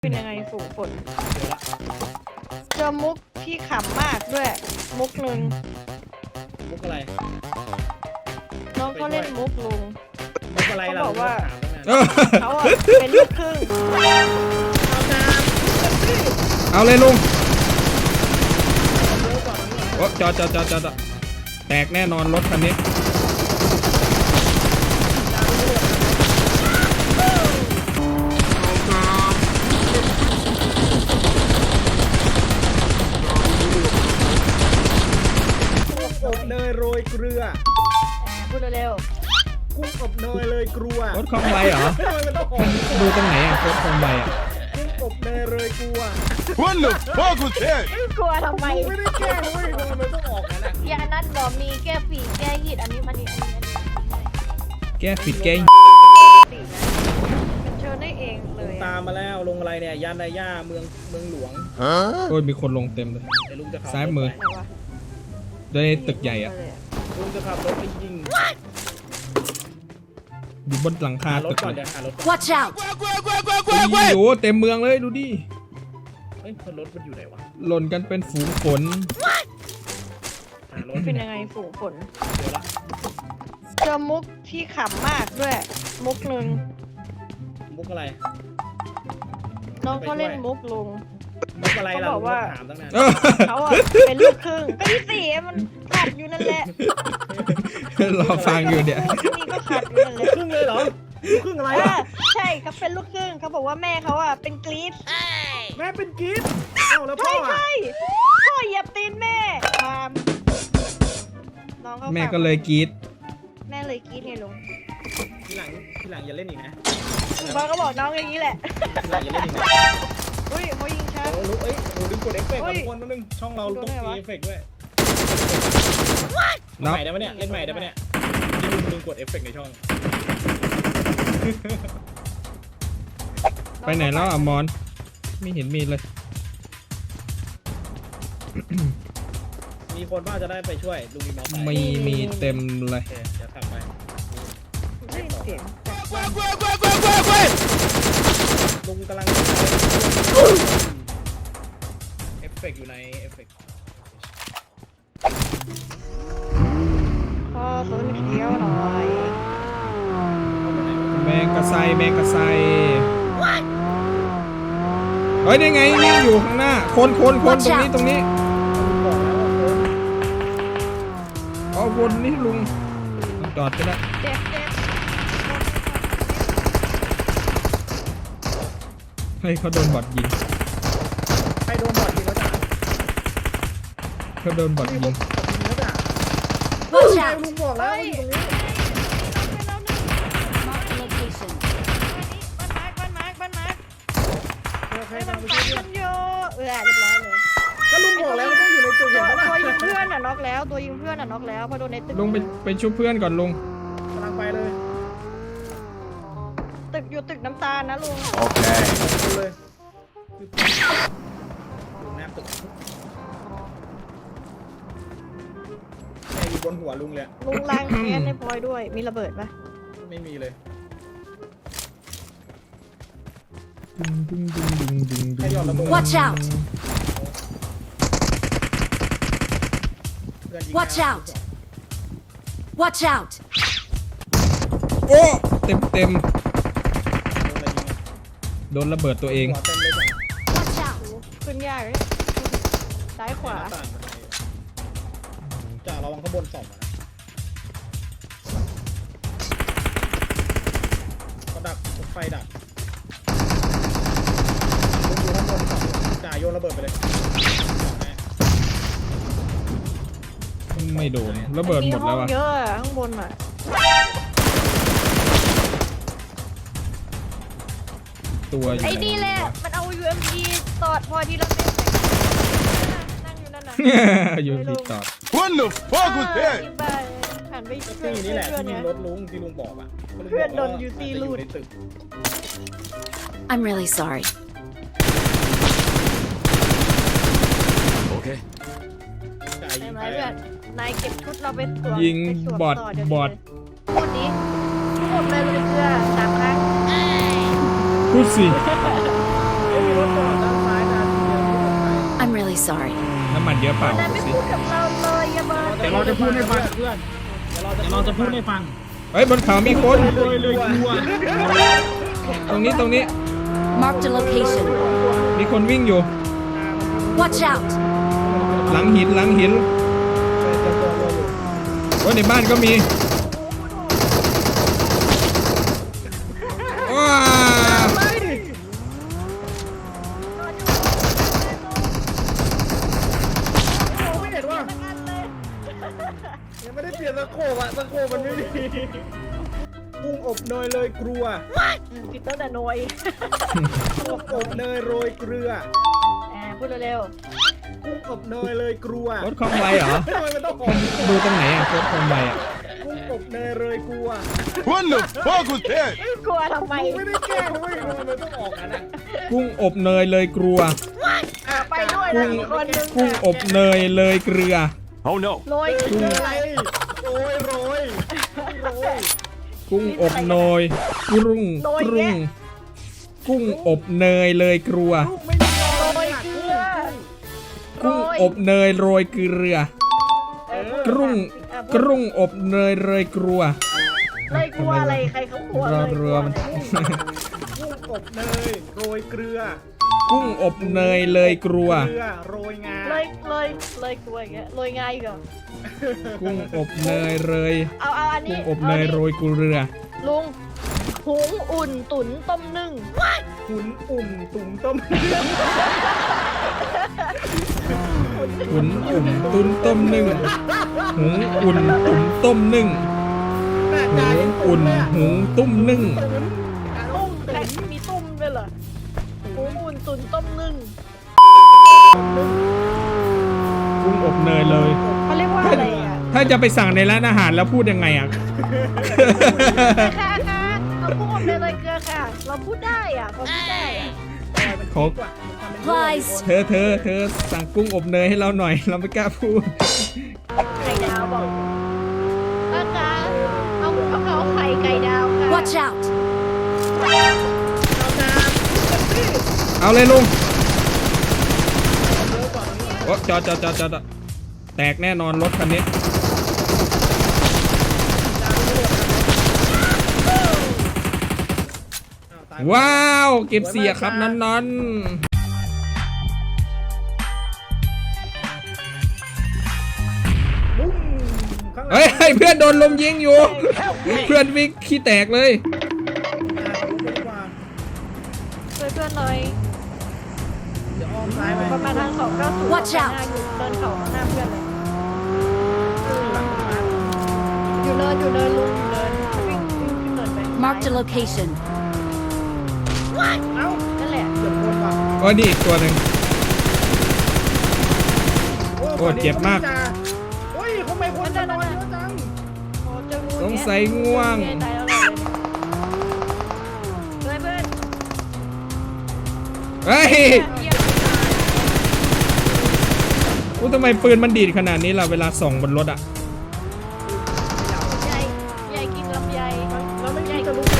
เป็นยังไงฝูงฝนเจอมุกที่ขำมากด้วยมุกหนึ่งมุกอะไรน้องเขาเล่นมุกลุงมุกอะไรเขาเราบอกว่าถามตั้งนานเขาอะเป็นลูกครึ่งเอาเลยลุงเร็วก่อนโอ้จอดแตกแน่นอนรถคันนี้อบเนยโรยเกลือพูดเร็วกุ้งอบเนยเลยกลัวรถคลองใบเหรอทำไมมันต้องออกดูตรงไหนอ่ะรถคลองใบอ่ะกุ้งอบเนยเลยกลัว What the fuck was that? ๆกลัวทำไมไม่ได้แกล้งเว้ยทำไมมันต้องออกนั่นแหละยานัดบอกมีแก้ฝีแก้หิดอันนี้มันนี่แก้ปิดแก้ตินะมันเชิญได้เองเลยตามมาแล้วลงอะไรเนี่ยยานนายาเมืองหลวง Huh? โอ้ยมีคนลงเต็มเลยเดี๋ยวลุงจะขับซ้ายมือไหนวะด้วยตึกใหญ่อ่ะลุงจะขับรถไปยิงอยู่บนหลังคาหารถตึกก่อนเลเดี๋ยยวหารถ Watch out! โอ้โหเต็มเมืองเลยดูดิเฮ้ยรถมันอยู่ไหนวะหล่นกันเป็นฝูงฝนหารถเป็นยังไงฝูงฝนเดี๋ยวละเจอมุกที่ขำมากด้วยมุกหนึ่งมุกอะไรน้องเขาเล่นมุกลุงมุกอะไรเราเขาบอกว่าถามตั้งนานเขาอะเป็นลูกครึ่งก็ที่สี่มันขัดอยู่นั่นแหละรอฟังอยู่เนี่ยนี่ก็ขัดอยู่นั่นแหละครึ่งเลยเหรอครึ่งอะไรเอวะอใช่เขาเป็นลูกครึ่งเขาบอกว่าแม่เขาอะเป็นกรีซแม่เป็นกิ๊ดเอ้าแล้วพ่ใช่ออะใช่พ่อเหยียบตีนแม่ความน้องเขาแม่ก็เลยกรีดแม่เลยกรีซไงลุงทีหลังอย่าเล่นอีกนะพ่อก็บอกน้องอย่างนี้แหละทีหลังอย่าเล่นอีกนะอุ้ยเขายิงชัดโอ้ลุกเอ้ยโอ้ดึงกดเอฟเฟกต์เฮ้ยทุกคนนึงช่องเราต้องมีเอฟเฟกต์ด้วยเนาะใหม่ได้ปะเนี่ยเล่นใหม่ได้ปะเนี่ยที่ดึงกดเอฟเฟกต์ในช่องไปไหนแล้วอ่ะมอนไม่เห็นมีเลยมีคนว่าจะได้ไปช่วยลุงมีมอไซค์มีเต็มเลยโอเคเดี๋ยวขับไปได้ยินเสียงจากลุงกำลังเอฟเฟกต์อยู่ในเอฟเฟกต์พ่อสนเขียวหน่อยแมงกะไซเฮ้ยได้ไงนี่อยู่ข้างหน้าคนตรงนี้บอกแล้วว่าคนเอาวนนี่ลุงจอดก็ได้เจ็บให้เขาโดนบอดยิงใครโดนบอดยิงแล้วจ้ะเขาโดนบอดนี่ยิลุงงยิงแล้วจ้ะ Watch ใช่ out! ลุงบอกแล้วว่าอยู่ตรงนี้ Mark the location. บ้านมาร์คโอเคให้มันทำไปฟันเรื่อยมันโยเรียบร้อยเลยก็ลุงบอกแล้วว่าต้องอยู่ในจุดตัเห็นวปะล่ะยิงเพื่อนอ่ะน็อกแล้วตัวยิงเพื่อนอ่ะน็อกแล้วพอโดนในตึกลุงไปชุบเพื่อนก่อนลุงกำลังไปเลยตึกอยู่ตึกน้ำตาลนะลุง Okay. ดูเลยลุงแนบตึกแกอยู่บนหัวลุงเลยลุงล้างแค้นในพลอยด้วยมีระเบิดปะไม่มีเลย Watch out! เพื่อนยิง Watch out! Watch out! โอ้เต็มโดนอะไรยิงอะโดนระเบิดตัวเองหัวเต็มเลยจ้ะ Watch out! ขึ้นยากเลยซ้ายขวาหน้ต่างบันไดจ่าระวังข้างบนส่องนะก็ดักไฟดักลุงอยู่ข้างบนส่องจ่าโยนระเบิดไปเลยส่องแน่ไม่โดนระเบิดหมดแล้วห้ออ่ะงเยอะอะข้างบนอ่ะตัวอยู่ไอ้นี่แหละมันเอา UMP ตอดพอทีละเม็ดนั่งอยู่นั่นน่ะอยู่ที่ตอด What the fuck was ยิ that? งไปหันไปก็ช่วยที่นี่แหละเพื่อนที่ยิเนี่งยรถลุงที่ลุงบอกอ่ะเพื่อนโดน UC ลูลูดในตึก I'm really sorry. Okay. จ่ายยิใช่งไหมไปเพื่อนนายเก็บชุดเราไปสวมยิงไปสวมบอดต่เดี๋ยวบนี้อดพูดดิพูดเลยเลยเพื่อ3 ครั้งพูดสิไม่มีรถ sorry. น้ำมันเยอะเปล่าแต่ดูไม่สิพูดกับเราเลยอย่ามาเดี๋ยวเราจะพูดให้ฟังเพื่อนเดี๋ยวเราจะพูดให้ฟังเฮ้ยบนเขามีคนเลยกลัวตรงนี้ Marked a location. มีคนวิ่งอยู่ Watch out! หลังหินโอ้ยในบ้านก็มีว้าไม่เห็นว่ายังไม่ได้เปลี่ยนตะโขบอะตะโขบมันไม่มีกุ้งอบเนยเลยกลัวผิดตั้งแต่น้อยกุ้งอบเนยโรยเกลือพูดเร็วกุ้งอบเนยเลยกลัวรถคอมไวเหรอทำไมมันต้องหอมดูตรงไหนอ่ะรถคอมไวอ่ะกุ้งอบเนยเลยกลัว What the fuck was that? ๆกลัวทำไมไม่ได้แกล้งเว้ยมันต้องออกกันอะกุ้งอบเนยเลยกลัวไปด้วยนะอีกคนนึงกุ้งอบเนยเลยเกลือ Oh no. โรยเกลืออะไรโรยโรยกุ้งอบเนยกุ้งอบเนยเลยเกลือลูกไม่มีโรยเกลือกุ้งอบเนยโรยเกลือ กุ้งอบเนยโรยเกลือเลยกลัวอะไรใครเขากลัวเลยเรือมันกุ้งอบเนยโรยเกลือกุ้งอบเนยเลยเกลือเกลือโรยงาเลยกลัวอย่างเงี้ยโรยง่ายเหรอกุ้งอบเนยเลยเอาอันนี้กุ้งอบเนยโรยเกลือลุงหุงอุ่นตุ๋นต้มนึ่งขุนอุ่นตุ๋งต้มหุนอุ่นตุ้นต้มนึ่งหุงอุ่นตุ๋นต้มนึ่งหุงอุ่นหุงตุ้มนึ่งตุ้มใครมีตุ้มด้วยเหรอหุงอุ่นตุ๋นต้มนึ่งกุ้งอบเนยเลยเขาเรียกว่าอะไรอ่ะถ้าจะไปสั่งในร้านอาหารแล้วพูดยังไงอ่ะค่ะเอากุ้งอบเลยเกลือค่ะ เราพูดได้อ่ะเขาพูดได้อ่ะเขา Plies. เธอสั่งกุ้งอบเนยให้เราหน่อย เราไม่กล้าพูดไข่ดาวบอกนะคะเอาไข่ไก่ดาวค่ะ Watch out! เอาเลยลุงโอ้จอดแตกแน่นอนรถคันนี้ ว้าวเก็บเสียครับนั้นบุ้มข้างหลังเฮ้ยเพื่อนโดนลมยิงอยู่ เพื่อนวิ่งขี้แตกเลยช่วยเพื่อนหน่อยเดี๋ยวอ้อมซ้ายไปประมาณทางเขา90 Watch out อยู่เดินเขาข้างหน้าเพื่อนเลยหลังต้นไม้อยู่เนินลุงอยู่เนินวิ่งขึ้นเนินไป Marked a location. เอ้านั่นแหละเดี๋ยวคนว่ะโอ้นี่อีกตัวหนึ่ง โอ้เจ็บมากโอ้ยทำไมคนจะนอนเยอะจังโอ้เจองูสงสัยง่วงตายแล้วเลยเพื่อนเฮ้ยเยี่ยมอู้ทำไมปืนมันดีดขนาดนี้ล่ะเวลาส่องบนรถอ่ะใหญ่กินลำไยแล้วไม่ใช่จะลุกเลย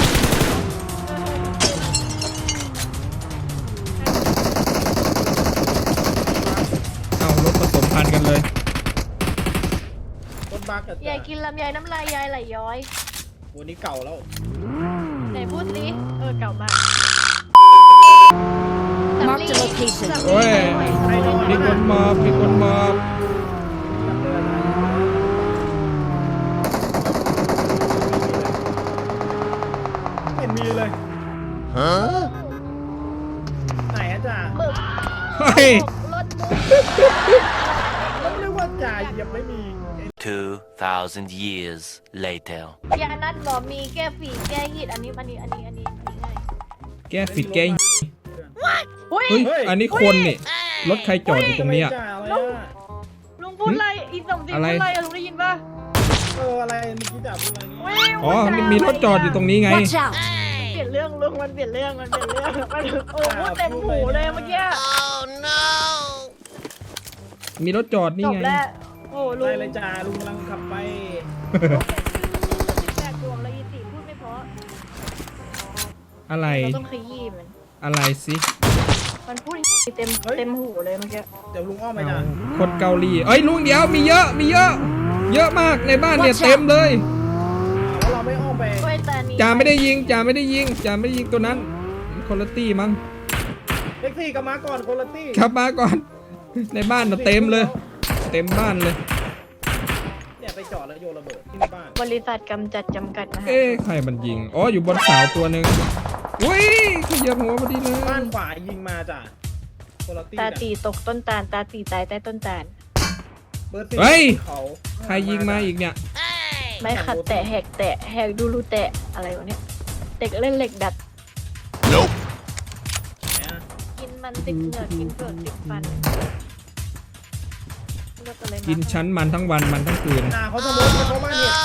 เอารถผสมพันธุ์กันเลยรถบักกับใหญ่กินลำไยน้ำลายยายไหลย้อยวันนี้เก่าแล้วไหนพูดสิเก่ามาก Marked a location. โอ้ย มีคนมอบไม่เห็นมีเลย Huh? ไหนอะจ่าหมึกเฮ้ยรถมุกแล้วเรียกว่าจ่าเหยียบไม่มี 2,000 years later. ยานัดบอกมีแก้ฝีแก้หิดอันนี้ง่ายแก้ฟิดแก้อุ้ยเฮ้ย อันนี้คนนี่ รถใครจอดอยู่ตรงนี้อ่ะจ่าอะไรอะลุงพูดอะไรอีสมศรีอะไรพูดอะไรลุงได้ยินป่ะอะไรเมื่อกี้จ่าพูดอะไรนี่อ๋อ มีรถจอดอยู่ตรงนี้ไง Watch out! เปลี่ยนเรื่องลุงมันเปลี่ยนเรื่องมันโอ้พูดเต็มหูเลยเมื่อกี้มีรถจอดนี่จบไงแล้วโอ้ลุงได้เลยจ่าลุงกำลังขับไป 18 ดวงแล้วยีตีพูดไม่เพราะอะไรเราต้องขยี้มันอะไรสิมันพูดเต็มหูเลยเมื่อกี้เดี๋ยวลุงอ้อมไปจ้ะคนเกาหลีเอ้ยลุงเดียวมีเยอะเยอะมากในบ้านเนี่ย Watch out เต็มเลยแล้วเราไม่อ้อมไปช่วยตานีจ่าไม่ได้ยิงตัวนั้นคนละตี้มั้งเล็กซี่กลับมาก่อนคนละตี้ครับมาก่อน ในบ้านน่ะเต็มเลย เต็มบ้านเลยเนี่ยไปจอดแล้วโยนระเบิดที่บ้านบริษัทกำจัดจำกัดนะคะเอ๊ะใครมันยิงอ๋ออยู่บนเสาตัวหนึ่งอุ้ยขยับหัวพอดีเลยบ้านขวายิงมาจ้ะคนละตี้ตาน่ะตีตกต้นตาลตาตีตายใต้ต้นตาลเบอร์สี่เฮ้ยเขาใครยิงมาอีกเนี่ยไม่ขัดแตะแหกดูรูแตะอะไรวะเนี่ยเด็กเล่นเหล็กดัด Nope. เนี่ยกินมันติดเหงือกกินเปลือกติดฟันเลือกอะไรมากินชั้นมันทั้งวันมันทั้งคืนเขาสมมติเขาบ้านเห็ด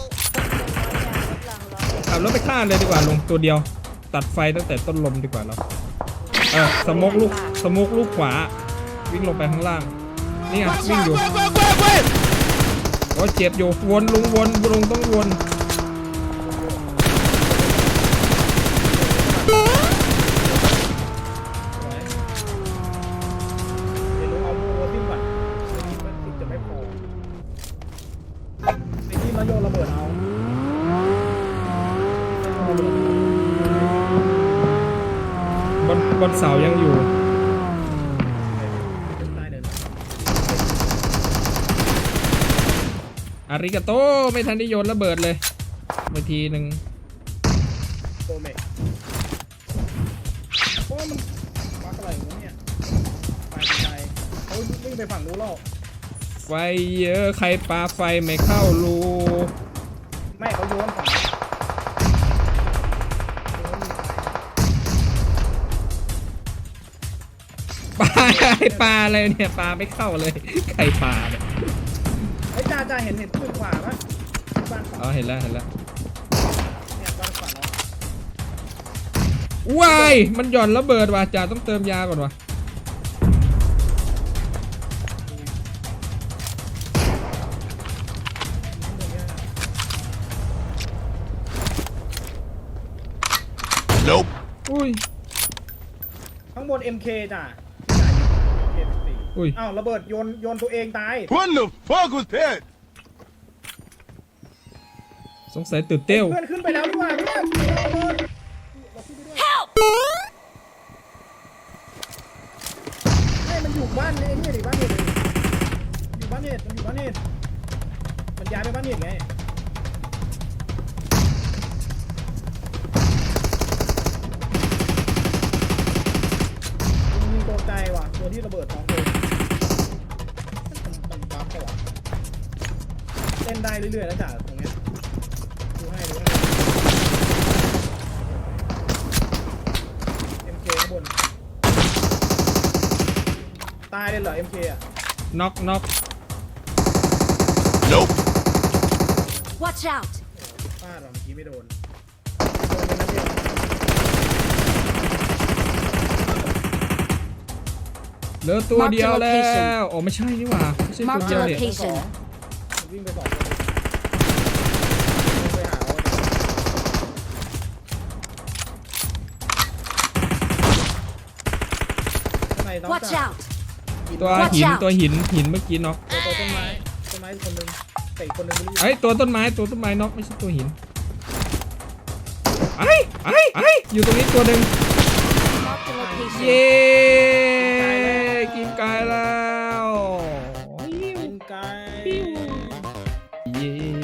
ขับรถไปฆ่าเลยดีกว่าลงตัวเดียว ตัดไฟตั้งแต่ต้นลมดีกว่าเราสโมกลูกขวา วิ่งลงไปข้างล่าง นี่ไงวิ่งอยู่โอ้ยเจ็บอยู่วนลุงต้องวนเดี๋ยวลุงเอาโมทิ้งก่อนทิ้งจะไม่พอไอ้ที่มาโยนระเบิดเอาบนเสายังอยู่ได้เดินอาริกาโตไม่ทันได้โยนระเบิดเลยไปทีหนึ่งโกเมกโอ้มันวักอะไรวะเนี่ยไปเขาวิ่งไปฝั่งนู้นแล้วไฟเยอะใครปาไฟไม่เข้ารูไม่เขาโยนฝั่งปลาอะไรเนี่ยปลาไม่เข้าเลยใครปลาเนี่ยไอ้จ่าเห็นปืนขวาปะบ้านขวาอ๋อเห็นแล้วเนี่ยบ้านขวาเนาะว้ายมันหย่อนระเบิดว่ะจ่าต้องเติมยาก่อนว่ะ Nope. อุ้ยข้างบน MK จ้ะอุ้ยอ้าวระเบิดโยนตัวเองตาย What the fuck was that? สงสัยตื่นเต้วเพื่อนขึ้นไปแล้วดีกว่าเพื่อนระเบิด Help! ให้มันอยู่บ้านไอ้นี่ดิบ้านเห็ดอยู่บ้านเห็ดมันอยู่บ้านเห็ดมันย้ายไปบ้านเห็ดไงยิงตัวใจว่ะตัวที่ระเบิดท้องเลยมันบัฟเหรอเล่นได้เรื่อยๆแล้วจ้ะตรงเนี้ยดูให้MK ข้างบนตายเลยเหรอ MK อ่ะน็อก Nope. Watch out! ฟาดว่ะเมื่อกี้ไม่โดนโดนไปนัดเดียวเหลือตัวเดียวแล้ Mark the location วโอ้ไม่ใช่นี่หว่าไม่ใช่ตัว Mark เดี the ยวเนี่ย location. มันวิ่งไปสองคนวิ่งไปหาเขาข้างในน้อง Watch จ่า out! ตัว Watch หิน out ตัวหินเมื่อกี้น็อกตัวต้นไม้คนหนึงเตะคนหนึงไม่รู้ไอ้ยตัวต้นไม้น็อกไม่ใช่ตัวหินไอ้อยู่ตรงนี้ตัวหนึ่ง Mark the location. เย้กินไก่แล้วยิงไกลเย้